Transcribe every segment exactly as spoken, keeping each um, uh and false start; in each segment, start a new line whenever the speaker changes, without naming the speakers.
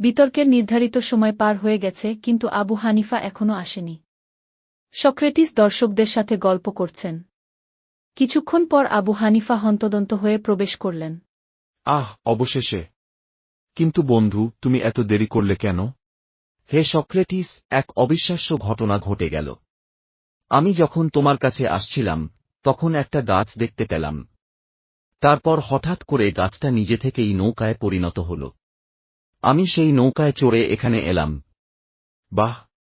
বিতর্কের নির্ধারিত সময় পার হয়ে গেছে, কিন্তু আবু হানিফা এখনও আসেনি। সক্রেটিস দর্শকদের সাথে গল্প করছেন। কিছুক্ষণ পর আবু হানিফা হন্তদন্ত হয়ে প্রবেশ করলেন।
আহ, অবশেষে! কিন্তু বন্ধু, তুমি এত দেরি করলে কেন?
হে সক্রেটিস, এক অবিশ্বাস্য ঘটনা ঘটে গেল। আমি যখন তোমার কাছে আসছিলাম, তখন একটা গাছ দেখতে পেলাম। তারপর হঠাৎ করে গাছটা নিজে থেকেই নৌকায় পরিণত হল। আমি সেই নৌকায় চড়ে এখানে এলাম।
বাহ,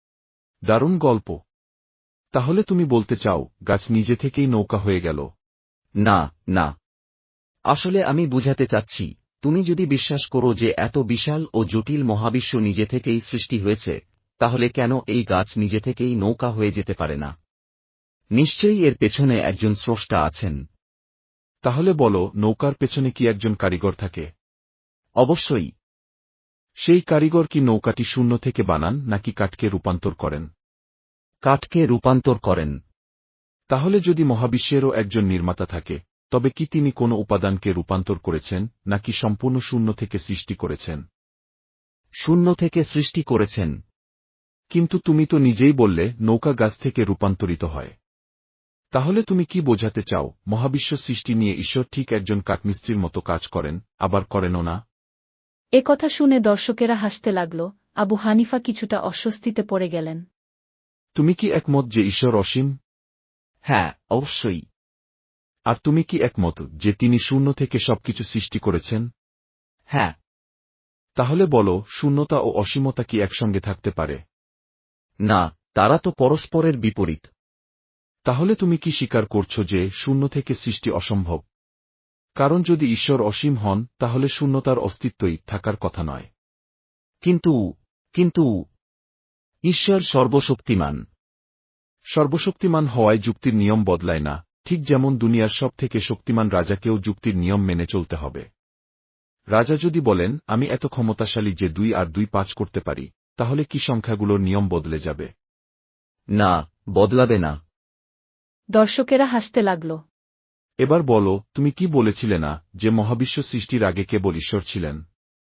দারুণ গল্প! তাহলে তুমি বলতে চাও, গাছ নিজে থেকেই নৌকা হয়ে গেল?
না, না। আসলে আমি বুঝাতে চাচ্ছি, তুমি যদি বিশ্বাস করো যে এত বিশাল ও জটিল মহাবিশ্ব নিজে থেকেই সৃষ্টি হয়েছে, তাহলে কেন এই গাছ নিজে থেকেই নৌকা হয়ে যেতে পারে না? নিশ্চয়ই এর পেছনে একজন স্রষ্টা আছেন।
তাহলে বলো, নৌকার পেছনে কি একজন কারিগর থাকে?
অবশ্যই।
সেই কারিগর কি নৌকাটি শূন্য থেকে বানান, নাকি কাঠকে রূপান্তর করেন?
কাঠকে রূপান্তর করেন।
তাহলে যদি মহাবিশ্বেরও একজন নির্মাতা থাকে, তবে কি তিনি কোনো উপাদানকে রূপান্তর করেছেন, নাকি সম্পূর্ণ শূন্য থেকে সৃষ্টি করেছেন?
শূন্য থেকে সৃষ্টি করেছেন।
কিন্তু তুমি তো নিজেই বললে, নৌকা গাছ থেকে রূপান্তরিত হয়। তাহলে তুমি কি বোঝাতে চাও, মহাবিশ্ব সৃষ্টি নিয়ে ঈশ্বর ঠিক একজন কাঠমিস্ত্রির মতো কাজ করেন, আবার করেনও না?
এ কথা শুনে দর্শকেরা হাসতে লাগল। আবু হানিফা কিছুটা অস্বস্তিতে পড়ে গেলেন।
তুমি কি একমত যে ঈশ্বর অসীম?
হ্যাঁ, অবশ্যই।
আর তুমি কি একমত যে তিনি শূন্য থেকে সবকিছু সৃষ্টি করেছেন?
হ্যাঁ।
তাহলে বলো, শূন্যতা ও অসীমতা কি একসঙ্গে থাকতে পারে?
না, তারা তো পরস্পরের বিপরীত।
তাহলে তুমি কি স্বীকার করছো যে শূন্য থেকে সৃষ্টি অসম্ভব? কারণ যদি ঈশ্বর অসীম হন, তাহলে শূন্যতার অস্তিত্বই থাকার কথা নয়।
কিন্তু কিন্তু ঈশ্বর সর্বশক্তিমান।
সর্বশক্তিমান হওয়ায় যুক্তির নিয়ম বদলায় না, ঠিক যেমন দুনিয়ার সব থেকে শক্তিমান রাজাকেও যুক্তির নিয়ম মেনে চলতে হবে। রাজা যদি বলেন, আমি এত ক্ষমতাশালী যে দুই আর দুই পাঁচ করতে পারি, তাহলে কি সংখ্যাগুলোর নিয়ম বদলে যাবে?
না, বদলাবে না।
দর্শকেরা হাসতে লাগল।
এবার বলো, তুমি কি বলেছিলে না যে মহাবিশ্ব সৃষ্টির আগে কেবল ঈশ্বর ছিলেন?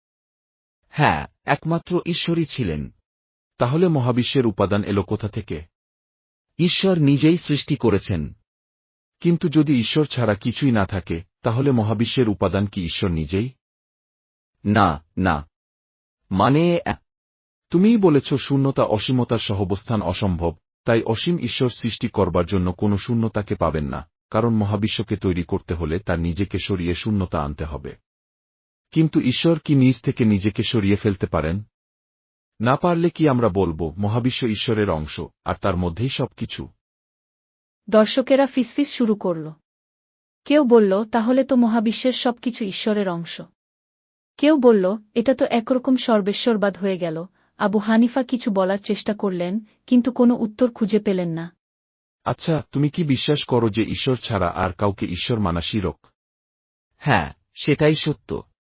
হ্যাঁ, একমাত্র ঈশ্বরই ছিলেন।
তাহলে মহাবিশ্বের উপাদান এলো কোথা থেকে?
ঈশ্বর নিজেই সৃষ্টি করেছেন।
কিন্তু যদি ঈশ্বর ছাড়া কিছুই না থাকে, তাহলে মহাবিশ্বের উপাদান কি ঈশ্বর নিজেই?
না, না। মানে
তুমিই বলেছ শূন্যতা অসীমতার সহাবস্থান অসম্ভব, তাই অসীম ঈশ্বর সৃষ্টি করবার জন্য কোনো শূন্যতাকে পাবেন না, কারণ মহাবিশ্বকে তৈরি করতে হলে তার নিজেকে সরিয়ে শূন্যতা আনতে হবে। কিন্তু ঈশ্বর কি নিজ থেকে নিজেকে সরিয়ে ফেলতে পারেন? না পারলে কি আমরা বলবো, মহাবিশ্ব ঈশ্বরের অংশ, আর তার মধ্যেই সবকিছু?
দর্শকেরা ফিসফিস শুরু করল। কেউ বলল, তাহলে তো মহাবিশ্বের সবকিছু ঈশ্বরের অংশ। কেউ বলল, এটা তো একরকম সর্বেশ্বরবাদ হয়ে গেল। আবু হানিফা কিছু বলার চেষ্টা করলেন, কিন্তু কোনো উত্তর খুঁজে পেলেন না।
আচ্ছা, তুমি কি বিশ্বাস করো যে ঈশ্বর ছাড়া আর কাউকে ঈশ্বর মানা শিরক?
হ্যাঁ, সেটাই সত্য।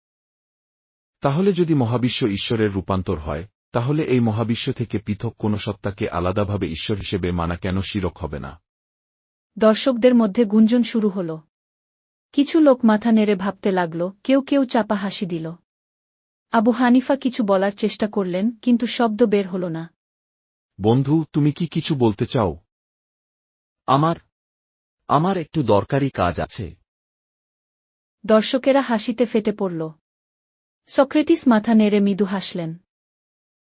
তাহলে যদি মহাবিশ্ব ঈশ্বরের রূপান্তর হয়, তাহলে এই মহাবিশ্ব থেকে পৃথক কোনো সত্তাকে আলাদাভাবে ঈশ্বর হিসেবে মানা কেন শিরক হবে না?
দর্শকদের মধ্যে গুঞ্জন শুরু হল। কিছু লোক মাথা নেড়ে ভাবতে লাগল, কেউ কেউ চাপা হাসি দিল। আবু হানিফা কিছু বলার চেষ্টা করলেন, কিন্তু শব্দ বের হল না।
বন্ধু, তুমি কি কিছু বলতে চাও?
আমার আমার একটু দরকারি কাজ আছে।
দর্শকেরা হাসিতে ফেটে পড়ল। সক্রেটিস মাথা নেড়ে মৃদু হাসলেন।